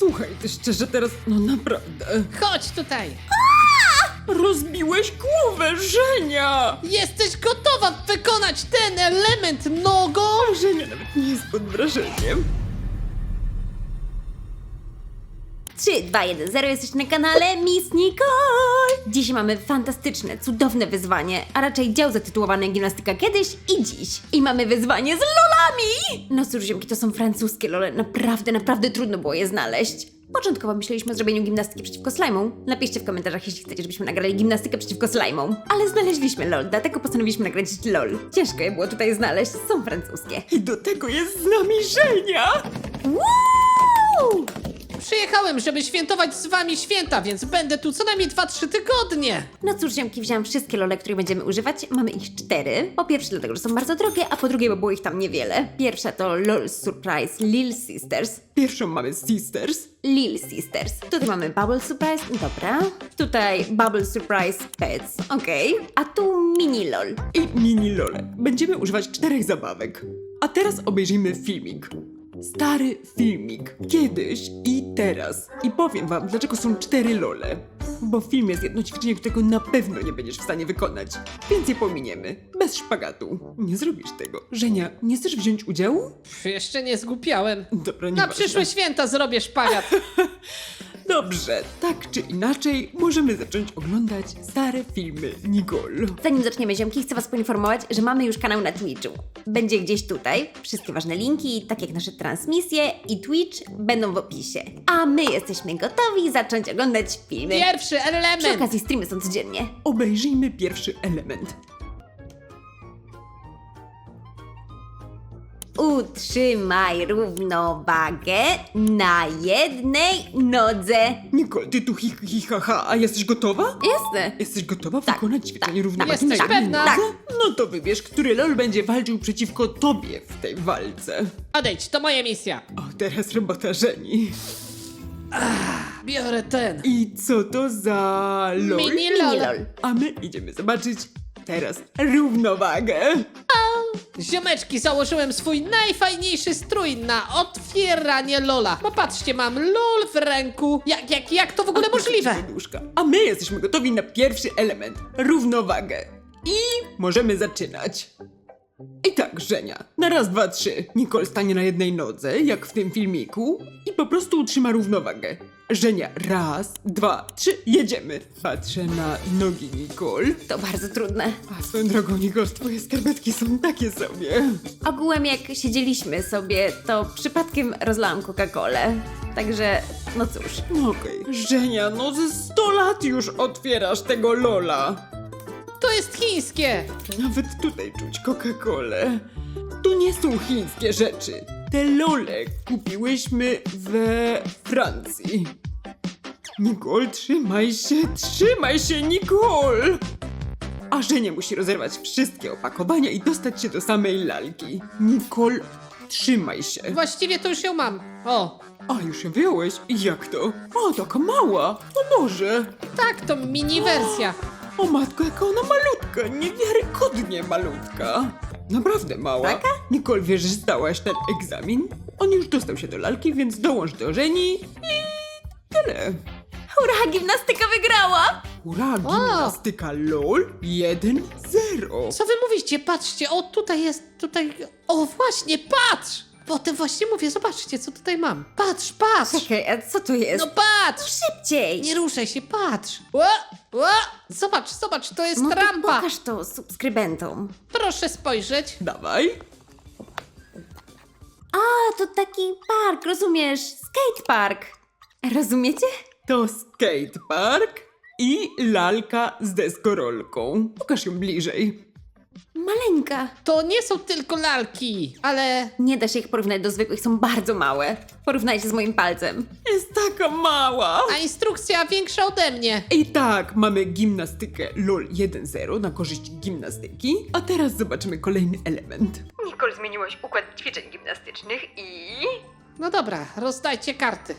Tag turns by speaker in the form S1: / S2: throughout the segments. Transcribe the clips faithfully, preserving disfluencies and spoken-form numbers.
S1: Słuchaj, ty szczerze teraz, no naprawdę.
S2: Chodź tutaj!
S1: Rozbiłeś głowę, Żenia!
S2: Jesteś gotowa wykonać ten element nogą?
S1: Żenia nawet nie jest pod wrażeniem.
S3: trzy, dwa, jeden, zero, jesteś na kanale Miss Nicole! Dzisiaj mamy fantastyczne, cudowne wyzwanie, a raczej dział zatytułowany Gimnastyka kiedyś i dziś. I mamy wyzwanie z lolami! No cóż, ziomki, to są francuskie lole, naprawdę, naprawdę trudno było je znaleźć. Początkowo myśleliśmy o zrobieniu gimnastyki przeciwko slajmom. Napiszcie w komentarzach, jeśli chcecie, żebyśmy nagrali gimnastykę przeciwko slajmom. Ale znaleźliśmy lol, dlatego postanowiliśmy nagrać lol. Ciężko je było tutaj znaleźć, są francuskie.
S1: I do tego jest z nami Żenia!
S3: Woo!
S2: Przyjechałem, żeby świętować z wami święta, więc będę tu co najmniej dwa trzy tygodnie.
S3: No cóż, ziomki, wziąłem wszystkie lole, których będziemy używać. Mamy ich cztery. Po pierwsze dlatego, że są bardzo drogie, a po drugie, bo było ich tam niewiele. Pierwsza to LOL Surprise Lil Sisters.
S1: Pierwszą mamy Sisters.
S3: Lil Sisters. Tutaj mamy Bubble Surprise, dobra. Tutaj Bubble Surprise Pets, okej. A tu Mini LOL.
S1: I mini lole. Będziemy używać czterech zabawek. A teraz obejrzyjmy filmik. Stary filmik. Kiedyś i teraz. I powiem wam, dlaczego są cztery lole. Bo w filmie jest jedno ćwiczenie, którego na pewno nie będziesz w stanie wykonać. Więc je pominiemy. Bez szpagatu. Nie zrobisz tego. Żenia, nie chcesz wziąć udziału?
S2: Pff, jeszcze nie zgłupiałem.
S1: Dobra, nie
S2: Na przyszłe święta zrobię szpagat.
S1: Dobrze, tak czy inaczej, możemy zacząć oglądać stare filmy Nicole.
S3: Zanim zaczniemy, ziomki, chcę was poinformować, że mamy już kanał na Twitchu. Będzie gdzieś tutaj. Wszystkie ważne linki, tak jak nasze transmisje i Twitch, będą w opisie. A my jesteśmy gotowi zacząć oglądać filmy.
S2: Pierwszy
S3: Przy
S2: element.
S3: okazji streamy są codziennie.
S1: Obejrzyjmy pierwszy element.
S3: Utrzymaj równowagę na jednej nodze.
S1: Nicole, ty tu hi, hi ha, ha, a jesteś gotowa?
S3: Jasne.
S1: Jesteś gotowa
S3: Tak,
S1: wykonać ćwiczenie
S3: tak,
S1: równowagi
S2: Jesteś
S1: na jednej
S2: pewna?
S1: nodze? No to wybierz, który lol będzie walczył przeciwko tobie w tej walce.
S2: Odejdź, to moja misja.
S1: O, teraz robota Żeni.
S2: Biorę ten.
S1: I co to za lol?
S2: Mini
S3: Mini
S2: lol.
S3: lol.
S1: A my idziemy zobaczyć teraz równowagę.
S2: Ziomeczki, założyłem swój najfajniejszy strój na otwieranie lola. Bo patrzcie, mam lol w ręku. Jak, jak, jak to w ogóle możliwe?
S1: Poduszka. A my jesteśmy gotowi na pierwszy element, równowagę. I możemy zaczynać. I tak, Żenia, na raz, dwa, trzy. Nicole stanie na jednej nodze, jak w tym filmiku, i po prostu utrzyma równowagę. Żenia, raz, dwa, trzy, jedziemy. Patrzę na nogi Nicole.
S3: To bardzo trudne.
S1: A swoją drogą, Nicole, twoje skarpetki są takie sobie.
S3: Ogółem jak siedzieliśmy sobie, to przypadkiem rozlałam Coca-Colę. Także, no cóż.
S1: No okej. Żenia, no ze sto lat już otwierasz tego lola.
S2: To jest chińskie.
S1: Nawet tutaj czuć Coca-Colę. Tu nie są chińskie rzeczy. Te lole kupiłyśmy we Francji. Nicole, trzymaj się, trzymaj się, Nicole! A Żenia musi rozerwać wszystkie opakowania i dostać się do samej lalki. Nicole, trzymaj się.
S2: Właściwie to już ją mam. O,
S1: A, już ją wyjąłeś? Jak to? O, taka mała. O Boże.
S2: tak, to mini wersja.
S1: O matko, jaka ona malutka, niewiarygodnie malutka. Naprawdę mała.
S3: Taka?
S1: Nicole, wiesz, że zdałaś ten egzamin? On już dostał się do lalki, więc dołącz do Żeni i tyle.
S3: Hurra, gimnastyka wygrała!
S1: Hurra, gimnastyka LOL jeden zero.
S2: Co wy mówicie? Patrzcie, o tutaj jest, tutaj... O właśnie, patrz! Potem właśnie mówię, zobaczcie, co tutaj mam. Patrz, patrz!
S3: Czekaj, a co to jest?
S2: No patrz!
S3: Szybciej!
S2: Nie ruszaj się, patrz! Ła, ła. Zobacz, zobacz, to jest
S3: No to
S2: rampa!
S3: pokaż to subskrybentom.
S2: Proszę spojrzeć.
S1: Dawaj.
S3: A, to taki park, rozumiesz? Skatepark. Rozumiecie?
S1: To skatepark i lalka z deskorolką. Pokaż ją bliżej.
S3: Maleńka.
S2: To nie są tylko lalki, ale...
S3: Nie da się ich porównać do zwykłych, są bardzo małe. Porównajcie z moim palcem.
S1: Jest taka mała.
S2: A instrukcja większa ode mnie.
S1: I tak, mamy gimnastykę LOL jeden zero na korzyść gimnastyki, a teraz zobaczymy kolejny element.
S3: Nicole, zmieniłaś układ ćwiczeń gimnastycznych i...
S2: No dobra, rozdajcie karty.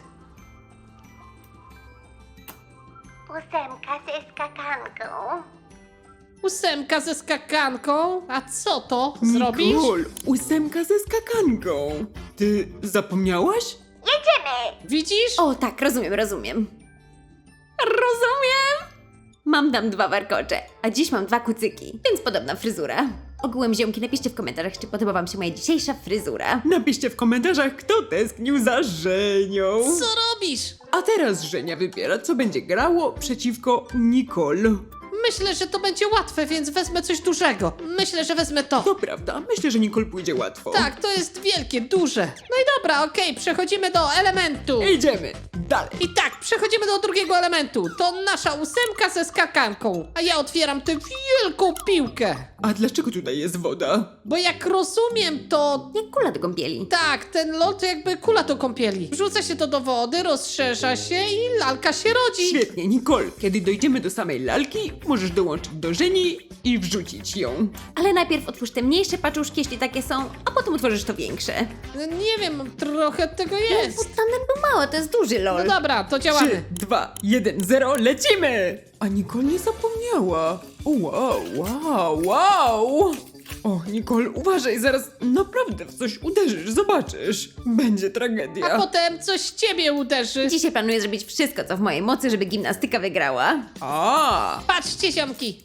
S4: Ósemka ze skakanką.
S2: Ósemka ze skakanką. A co to zrobisz?
S1: Nicole, ósemka ze skakanką. Ty zapomniałaś?
S4: Jedziemy!
S2: Widzisz?
S3: O tak, rozumiem, rozumiem. Rozumiem! Mam tam dwa warkocze, a dziś mam dwa kucyki, więc podobna fryzura. Ogółem ziomki, napiszcie w komentarzach, czy podoba wam się moja dzisiejsza fryzura.
S1: Napiszcie w komentarzach, kto tęsknił za Żenią.
S2: Co robisz?
S1: A teraz Żenia wybiera, co będzie grało przeciwko Nicole.
S2: Myślę, że to będzie łatwe, więc wezmę coś dużego. Myślę, że wezmę to.
S1: To prawda, myślę, że Nicole pójdzie łatwo.
S2: Tak, to jest wielkie, duże. No i dobra, okej, przechodzimy do elementu.
S1: Idziemy dalej.
S2: I tak, przechodzimy do drugiego elementu. To nasza ósemka ze skakanką. A ja otwieram tę wielką piłkę.
S1: A dlaczego tutaj jest woda?
S2: Bo jak rozumiem, to...
S3: Jak kula do kąpieli.
S2: Tak, ten lol to jakby kula do kąpieli. Wrzuca się to do wody, rozszerza się i lalka się rodzi.
S1: Świetnie, Nicole. Kiedy dojdziemy do samej lalki, możesz dołączyć do Żeni i wrzucić ją.
S3: Ale najpierw otwórz te mniejsze paczuszki, jeśli takie są, a potem otworzysz to większe.
S2: No nie wiem, trochę tego
S3: Bo
S2: jest.
S3: tamten był mały, to jest duży
S2: No
S3: lol.
S2: dobra, to
S1: Trzy,
S2: działamy.
S1: dwa, jeden, zero, lecimy! A Nicole nie zapomniała. O, wow, wow, wow! O, Nicole, uważaj, zaraz naprawdę w coś uderzysz, zobaczysz. Będzie tragedia.
S2: A potem coś ciebie uderzy.
S3: Dzisiaj planuję zrobić wszystko, co w mojej mocy, żeby gimnastyka wygrała.
S1: A,
S2: Patrzcie, ziomki.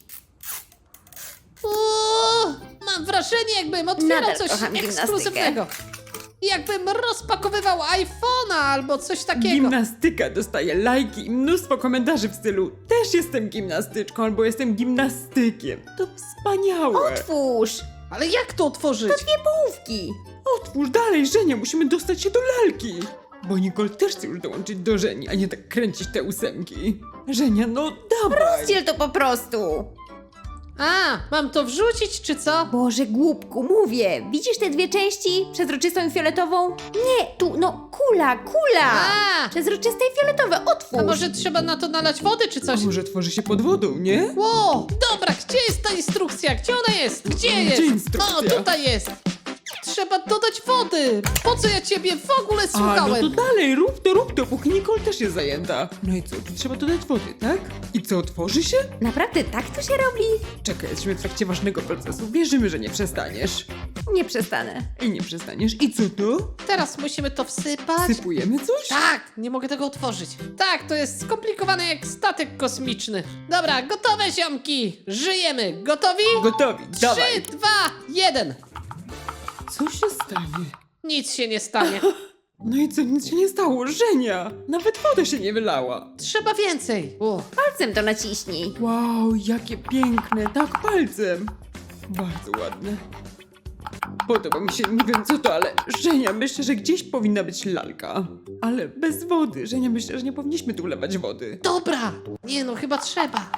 S2: Uuu, mam wrażenie, jakbym otwierał
S3: Nadal
S2: coś
S3: kocham gimnastykę.
S2: ekskluzywnego. Jakbym rozpakowywał iPhone'a albo coś takiego.
S1: Gimnastyka dostaje lajki i mnóstwo komentarzy w stylu też jestem gimnastyczką albo jestem gimnastykiem. To wspaniałe.
S3: Otwórz!
S2: Ale jak to otworzyć?
S3: Dwie połówki!
S1: Otwórz dalej, Żenia, musimy dostać się do lalki. Bo Nicole też chce już dołączyć do Żeni, a nie tak kręcić te ósemki. Żenia, no dawaj.
S3: Rozdziel to po prostu!
S2: A, mam to wrzucić, czy co?
S3: Boże, głupku, mówię! Widzisz te dwie części? Przezroczystą i fioletową? Nie, tu, no, kula, kula!
S2: A,
S3: Przezroczyste i fioletowe, otwórz!
S2: a może trzeba na to nalać wody, czy coś?
S1: A może tworzy się pod wodą, nie?
S2: Wow, dobra, gdzie jest ta instrukcja? Gdzie ona jest? Gdzie
S1: Gdzie
S2: jest?
S1: instrukcja?
S2: O, tutaj jest. Trzeba dodać wody. Po co ja ciebie w ogóle
S1: A, no
S2: słuchałem?
S1: to dalej, rób to, rób to, póki Nicole też jest zajęta. No i co, tu trzeba dodać wody, tak? I co, otworzy się?
S3: Naprawdę tak to się robi?
S1: Czekaj, jesteśmy w trakcie ważnego procesu, wierzymy, że nie przestaniesz.
S3: Nie przestanę.
S1: I nie przestaniesz. I co to?
S2: Teraz musimy to wsypać.
S1: Sypujemy coś?
S2: Tak, nie mogę tego otworzyć. Tak, to jest skomplikowane jak statek kosmiczny. Dobra, gotowe, ziomki. Żyjemy. Gotowi?
S1: Gotowi, dawaj.
S2: Trzy, dwa, jeden.
S1: Co się stanie?
S2: Nic się nie stanie.
S1: No i co, nic się nie stało, Żenia! Nawet woda się nie wylała.
S2: Trzeba więcej. Uff.
S3: Palcem to naciśnij.
S1: Wow, jakie piękne, tak palcem. Bardzo ładne. Podoba mi się, nie wiem co to, ale Żenia, myślę, że gdzieś powinna być lalka. Ale bez wody. Żenia, myślę, że nie powinniśmy tu wlewać wody.
S2: Dobra. Nie no, chyba trzeba.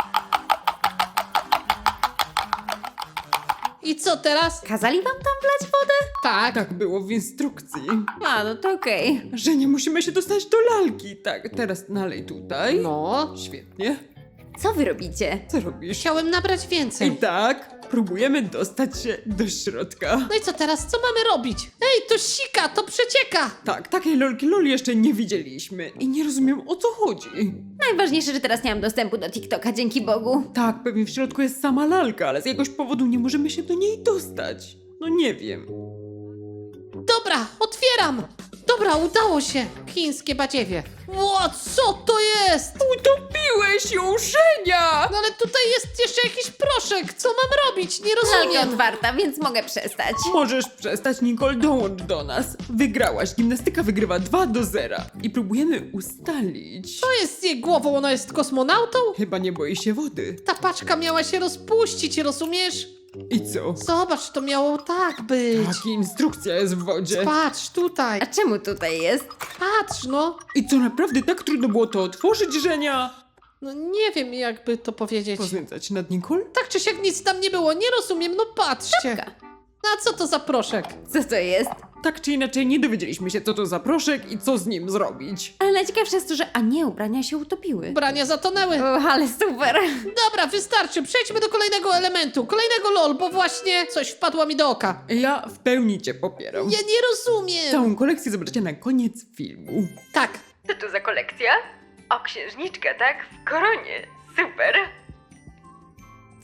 S2: I co teraz?
S3: Kazali wam tam wlać wodę?
S2: Tak.
S1: Tak było w instrukcji.
S3: A, no to okej.
S1: Żenia, musimy się dostać do lalki. Tak, teraz nalej tutaj.
S2: No.
S1: Świetnie.
S3: Co wy robicie?
S1: Co robisz?
S2: Chciałem nabrać
S1: I
S2: więcej.
S1: tak, próbujemy dostać się do środka.
S2: No i co teraz? Co mamy robić? Ej, to sika, to przecieka.
S1: Tak, takiej lolki loli jeszcze nie widzieliśmy. I nie rozumiem, o co chodzi.
S3: Najważniejsze, że teraz nie mam dostępu do TikToka, dzięki Bogu.
S1: Tak, pewnie w środku jest sama lalka, ale z jakiegoś powodu nie możemy się do niej dostać. No nie wiem.
S2: Dobra, otwieram. Dobra, udało się. Chińskie badziewie. Ło, co to jest?
S1: Utopiłeś ją, Żenia!
S2: No ale tutaj jest jeszcze jakiś proszek. Co mam robić? Nie
S3: Lalka
S2: rozumiem.
S3: otwarta, więc mogę przestać.
S1: Możesz przestać, Nicole, dołącz do nas. Wygrałaś, gimnastyka wygrywa dwa do zera. I próbujemy ustalić.
S2: Co jest z jej głową? Ona jest kosmonautą?
S1: Chyba nie boi się wody.
S2: Ta paczka miała się rozpuścić, rozumiesz?
S1: I co?
S2: Zobacz, to miało tak być.
S1: Jaka instrukcja jest w wodzie?
S2: Patrz, tutaj.
S3: A czemu tutaj jest?
S2: Patrz, no.
S1: I co, naprawdę tak trudno było to otworzyć, Żenia?
S2: No nie wiem, jakby to powiedzieć.
S1: Poznęcać nad Nicole?
S2: Tak czy siak nic tam nie było, nie rozumiem, no patrzcie.
S3: Czapka.
S2: A co to za proszek?
S3: Co to jest?
S1: Tak czy inaczej nie dowiedzieliśmy się, co to za proszek i co z nim zrobić.
S3: Ale najciekawsze jest to, że a nie, ubrania się utopiły.
S2: Ubrania zatonęły.
S3: O, ale super.
S2: Dobra, wystarczy, przejdźmy do kolejnego elementu, kolejnego lol, bo właśnie coś wpadło mi do oka.
S1: Ja w pełni cię popieram.
S2: Ja nie rozumiem.
S1: Całą kolekcję zobaczycie na koniec filmu.
S2: Tak,
S3: Co to za kolekcja? O, księżniczka, tak? W koronie. Super.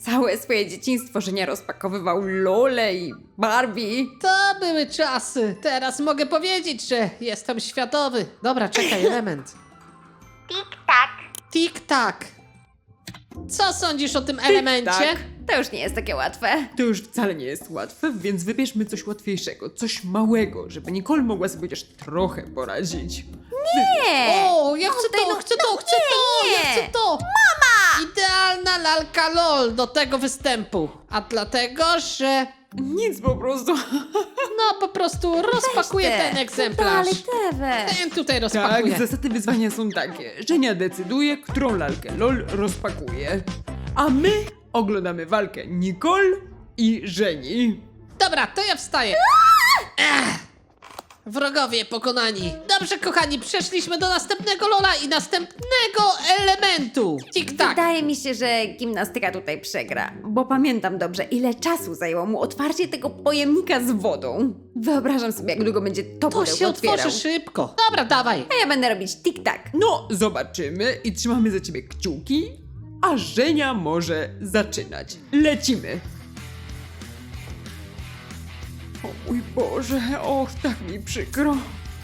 S3: Całe swoje dzieciństwo Żenia rozpakowywał lole i Barbie.
S2: To były czasy. Teraz mogę powiedzieć, że jestem światowy. Dobra, czekaj, element.
S4: Tik-tak.
S2: Tik-tak. Co sądzisz o tym elemencie?
S3: To już nie jest takie łatwe.
S1: To już wcale nie jest łatwe, więc wybierzmy coś łatwiejszego, coś małego, żeby Nicole mogła sobie chociaż trochę poradzić.
S3: Nie!
S2: O, ja chcę
S3: Oddaj,
S2: to,
S3: no,
S2: chcę
S3: no
S2: to, chcę to,
S3: nie,
S2: ja
S3: nie.
S2: chcę to! Mama! Idealna lalka LOL do tego występu. A dlatego, że
S1: Nic po prostu.
S2: no po prostu rozpakuję
S3: Te,
S2: ten egzemplarz.
S3: Dalej, Tewę.
S2: Ten tutaj
S1: Tak,
S2: rozpakuję.
S1: zasady wyzwania są takie. Żenia decyduje, którą lalkę LOL rozpakuje. A my oglądamy walkę Nicole i Żeni.
S2: Dobra, to ja wstaję. Ech. Wrogowie pokonani. Dobrze, kochani, przeszliśmy do następnego Lola i następnego elementu. Tik-tak.
S3: Wydaje mi się, że gimnastyka tutaj przegra, bo pamiętam dobrze, ile czasu zajęło mu otwarcie tego pojemnika z wodą. Wyobrażam sobie, jak długo będzie to
S2: To
S3: pudełko
S2: się
S3: otwierał.
S2: otworzy szybko. Dobra, dawaj.
S3: A ja będę robić tik-tak.
S1: No, zobaczymy i trzymamy za ciebie kciuki, a Żenia może zaczynać. Lecimy. O mój Boże, och, tak mi przykro.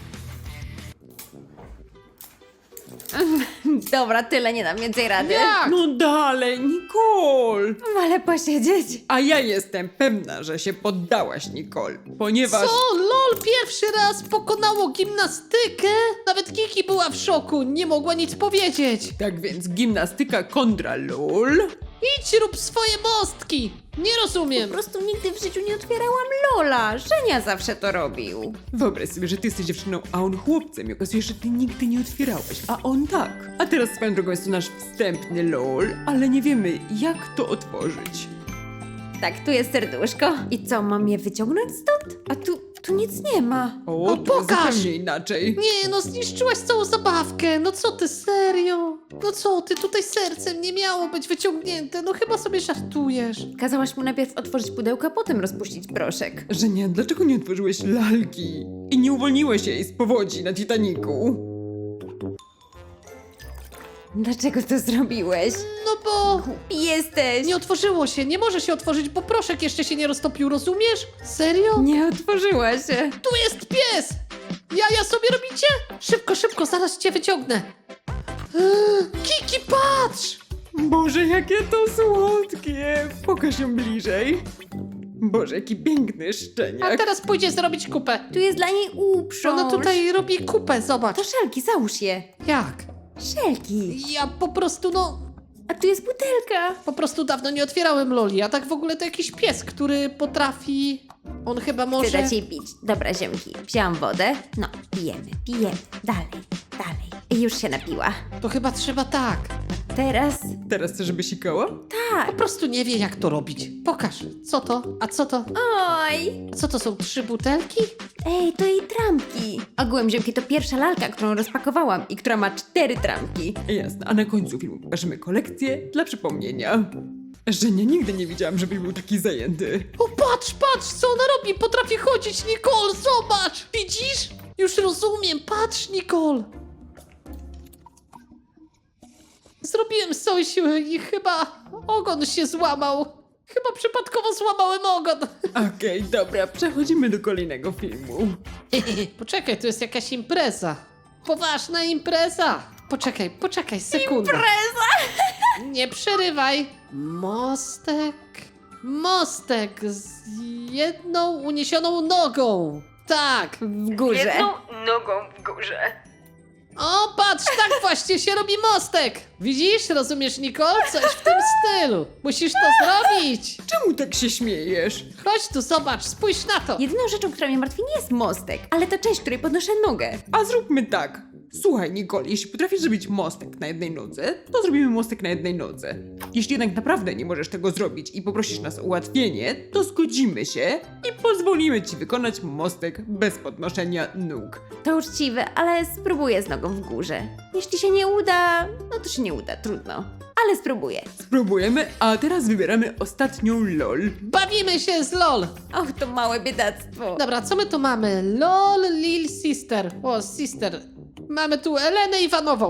S3: Dobra, tyle, nie dam więcej rady.
S2: Jak?
S1: No dalej, Nicole.
S3: Wolę posiedzieć.
S1: A ja jestem pewna, że się poddałaś, Nicole, ponieważ...
S2: Co? LOL pierwszy raz pokonało gimnastykę? Nawet Kiki była w szoku, nie mogła nic powiedzieć.
S1: Tak więc gimnastyka kontra LOL.
S2: Idź rób swoje mostki. Nie rozumiem.
S3: Po prostu nigdy w życiu nie otwierałam Lola. Żenia zawsze to robił.
S1: Wyobraź sobie, że ty jesteś dziewczyną, a on chłopcem i okazuje się, że ty nigdy nie otwierałeś, a on tak. A teraz swoją drogą jest to nasz wstępny LOL, ale nie wiemy, jak to otworzyć.
S3: Tak, tu jest serduszko. I co, mam je wyciągnąć stąd? A tu, tu nic nie ma.
S1: O,
S2: No
S1: to
S2: pokaż!
S1: zupełnie inaczej.
S2: Nie, no zniszczyłaś całą zabawkę. No co ty, serio? No co ty, tutaj sercem nie miało być wyciągnięte. No chyba sobie żartujesz.
S3: Kazałaś mu najpierw otworzyć pudełko, a potem rozpuścić proszek.
S1: Żenia, dlaczego nie otworzyłeś lalki? I nie uwolniłeś jej z powodzi na Titaniku?
S3: Dlaczego to zrobiłeś?
S2: No bo
S3: Jesteś!
S2: nie otworzyło się, nie może się otworzyć, bo proszek jeszcze się nie roztopił, rozumiesz? Serio?
S3: Nie otworzyła się.
S2: Tu jest pies! Jaja sobie robicie? Szybko, szybko, zaraz cię wyciągnę. Eee, Kiki, patrz!
S1: Boże, jakie to słodkie! Pokaż ją bliżej. Boże, jaki piękny
S2: A
S1: szczeniak.
S2: teraz pójdzie zrobić kupę.
S3: Tu jest dla niej uprząż.
S2: Ona tutaj robi kupę, zobacz.
S3: To szelki, załóż je.
S2: Jak?
S3: Szelki.
S2: Ja po prostu, no,
S3: A tu jest butelka.
S2: po prostu dawno nie otwierałem loli, a tak w ogóle to jakiś pies, który potrafi... On chyba
S3: Chcę
S2: może...
S3: dać jej pić. Dobra, ziomki. Wzięłam wodę. No, pijemy, pijemy. Dalej, dalej. I już się napiła.
S2: To chyba trzeba tak.
S3: Teraz
S1: Teraz chcesz, żeby sikała?
S2: Po
S3: tak.
S2: prostu nie wie, jak to robić. Pokaż. Co to? A co to?
S3: Oj.
S2: A co to są? Trzy butelki?
S3: Ej, to jej trampki. Ogółem, ziomki, to pierwsza lalka, którą rozpakowałam i która ma cztery trampki.
S1: Jasne, a na końcu filmu pokażemy kolekcję dla przypomnienia. Żenia, nigdy nie widziałam, żeby był taki zajęty.
S2: O, patrz, patrz, co ona robi! Potrafi chodzić, Nicole, zobacz! Widzisz? Już rozumiem, patrz, Nicole! Zrobiłem z całej siły i chyba ogon się złamał. Chyba przypadkowo złamałem ogon.
S1: Okej, dobra, przechodzimy do kolejnego filmu.
S2: Poczekaj, to jest jakaś impreza. Poważna impreza. Poczekaj, poczekaj, sekunda.
S3: Impreza!
S2: Nie przerywaj. Mostek. Mostek z jedną uniesioną nogą. Tak.
S3: W górze.
S1: nogą w górze.
S2: O, patrz, tak właśnie się robi mostek. Widzisz, rozumiesz, Nicole? Coś w tym stylu. Musisz to zrobić.
S1: Czemu tak się śmiejesz?
S2: Chodź tu, zobacz, spójrz na to.
S3: Jedyną rzeczą, która mnie martwi, nie jest mostek, ale ta część, której podnoszę nogę.
S1: A zróbmy tak. Słuchaj, Nicole, jeśli potrafisz zrobić mostek na jednej nodze, to zrobimy mostek na jednej nodze. Jeśli jednak naprawdę nie możesz tego zrobić i poprosisz nas o ułatwienie, to zgodzimy się i pozwolimy ci wykonać mostek bez podnoszenia nóg.
S3: To uczciwe, ale spróbuję z nogą w górze. Jeśli się nie uda, no to się nie uda, trudno. Ale spróbuję.
S1: Spróbujemy, a teraz wybieramy ostatnią LOL.
S2: Bawimy się z LOL.
S3: Och, to małe biedactwo.
S2: Dobra, co my tu mamy? LOL Lil Sister. O, Sister. Mamy tu Elenę Iwanową.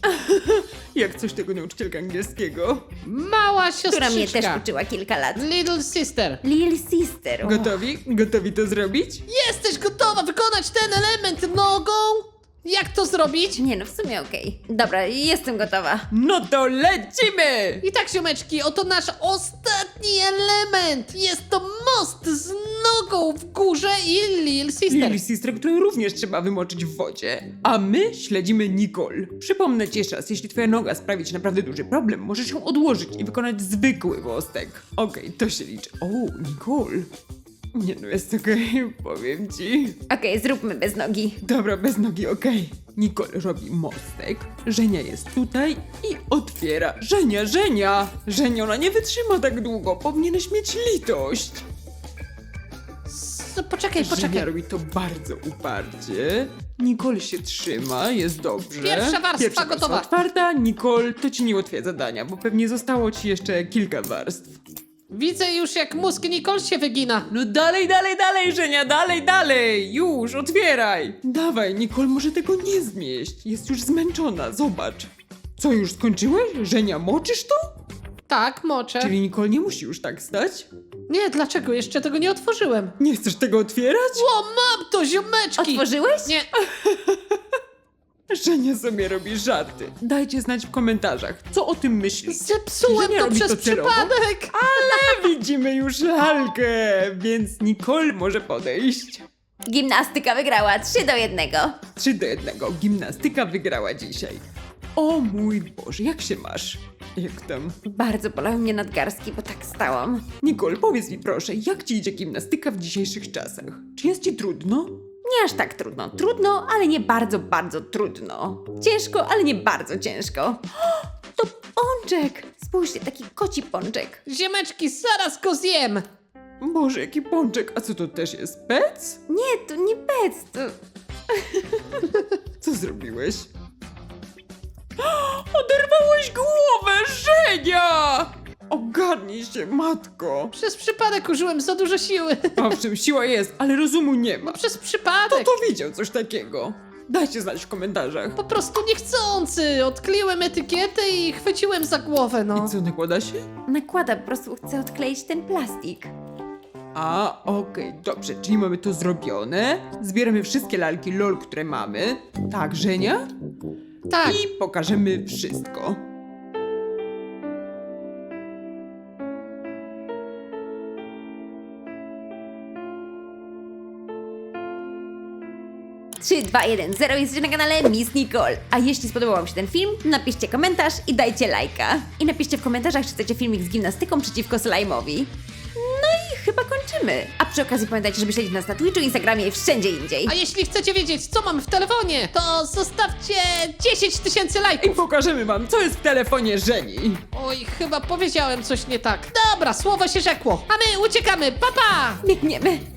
S1: Jak coś tego nauczycielka angielskiego.
S2: Mała
S3: Która mnie też
S2: siostrzyczka.
S3: uczyła kilka lat.
S2: Little sister.
S3: Lil Sister.
S1: Gotowi? Gotowi to zrobić?
S2: Jesteś gotowa wykonać ten element nogą? Jak to zrobić?
S3: Nie no, w sumie okej. Dobra, jestem gotowa.
S1: No to lecimy!
S2: I tak, ziomeczki, oto nasz ostatni element. Jest to most z nogą w górze i Lil Sister.
S1: Lil Sister, którą również trzeba wymoczyć w wodzie. A my śledzimy Nicole. Przypomnę ci jeszcze raz, jeśli twoja noga sprawi ci naprawdę duży problem, możesz ją odłożyć i wykonać zwykły mostek. Okej, to się liczy. O, Nicole. Nie no, jest okej, powiem ci.
S3: Okej, zróbmy bez nogi.
S1: Dobra, bez nogi, okej. Nicole robi mostek, Żenia jest tutaj i otwiera. Żenia, Żenia! Żenia, ona nie wytrzyma tak długo, powinieneś mieć litość.
S2: S- Poczekaj,
S1: Żenia
S2: poczekaj.
S1: robi to bardzo uparcie. Nicole się trzyma, jest dobrze.
S2: Pierwsza warstwa gotowa.
S1: otwarta. Nicole, to ci nie ułatwia zadania, bo pewnie zostało ci jeszcze kilka warstw.
S2: Widzę już, jak mózg Nicole się wygina.
S1: No dalej, dalej, dalej, Żenia, dalej, dalej! Już, otwieraj! Dawaj, Nicole może tego nie zmieść. Jest już zmęczona, zobacz. Co, już skończyłeś? Żenia, moczysz to?
S2: Tak, moczę.
S1: Czyli Nicole nie musi już tak stać?
S2: Nie, dlaczego? Jeszcze tego nie otworzyłem.
S1: Nie chcesz tego otwierać?
S2: O, mam to, ziomeczki!
S3: Otworzyłeś?
S2: Nie,
S1: Żenia sobie robi żarty. Dajcie znać w komentarzach, co o tym myślicie.
S2: zepsułem
S1: Żenia
S2: to
S1: robi
S2: przez
S1: to celowo?
S2: przypadek.
S1: Ale widzimy już lalkę, więc Nicole może podejść.
S3: Gimnastyka wygrała trzy do jednego.
S1: trzy do jednego. Gimnastyka wygrała dzisiaj. O mój Boże, jak się masz? Jak tam?
S3: Bardzo bolały mnie nadgarstki, bo tak stałam.
S1: Nicole, powiedz mi proszę, jak ci idzie gimnastyka w dzisiejszych czasach? Czy jest ci trudno?
S3: Nie aż tak trudno. Trudno, ale nie bardzo, bardzo trudno. Ciężko, ale nie bardzo ciężko. O, to pączek! Spójrzcie, taki koci pączek.
S2: Ziomeczki, zaraz go zjem.
S1: Boże, jaki pączek, a co to też jest? Pec?
S3: Nie, to nie pec, to...
S1: Co zrobiłeś? Oderwałeś głowę, Żenia! Ogarnij się, matko.
S2: Przez przypadek użyłem za dużo siły.
S1: Owszem, siła jest, ale rozumu nie ma.
S2: No przez
S1: Kto
S2: przypadek.
S1: to widział coś takiego? Dajcie znać w komentarzach.
S2: Po prostu niechcący. Odkleiłem etykietę i chwyciłem za głowę, no.
S1: I co, nakłada się?
S3: Nakłada, po prostu chcę odkleić ten plastik.
S1: A, okej, dobrze, czyli mamy to zrobione. Zbieramy wszystkie lalki LOL, które mamy. Tak, Żenia?
S2: Tak.
S1: I pokażemy wszystko.
S3: trzy, dwa, jeden, zero. Jesteście na kanale Miss Nicole. A jeśli spodobał wam się ten film, napiszcie komentarz i dajcie lajka. I napiszcie w komentarzach, czy chcecie filmik z gimnastyką przeciwko slajmowi. No i chyba kończymy. A przy okazji pamiętajcie, żeby śledzić nas na Twitchu, Instagramie i wszędzie indziej.
S2: A jeśli chcecie wiedzieć, co mam w telefonie, to zostawcie dziesięć tysięcy
S1: I
S2: lajków.
S1: pokażemy wam, co jest w telefonie Żeni.
S2: Oj, chyba powiedziałem coś nie tak. Dobra, słowo się rzekło. A my uciekamy. Pa, pa!
S3: Biegniemy.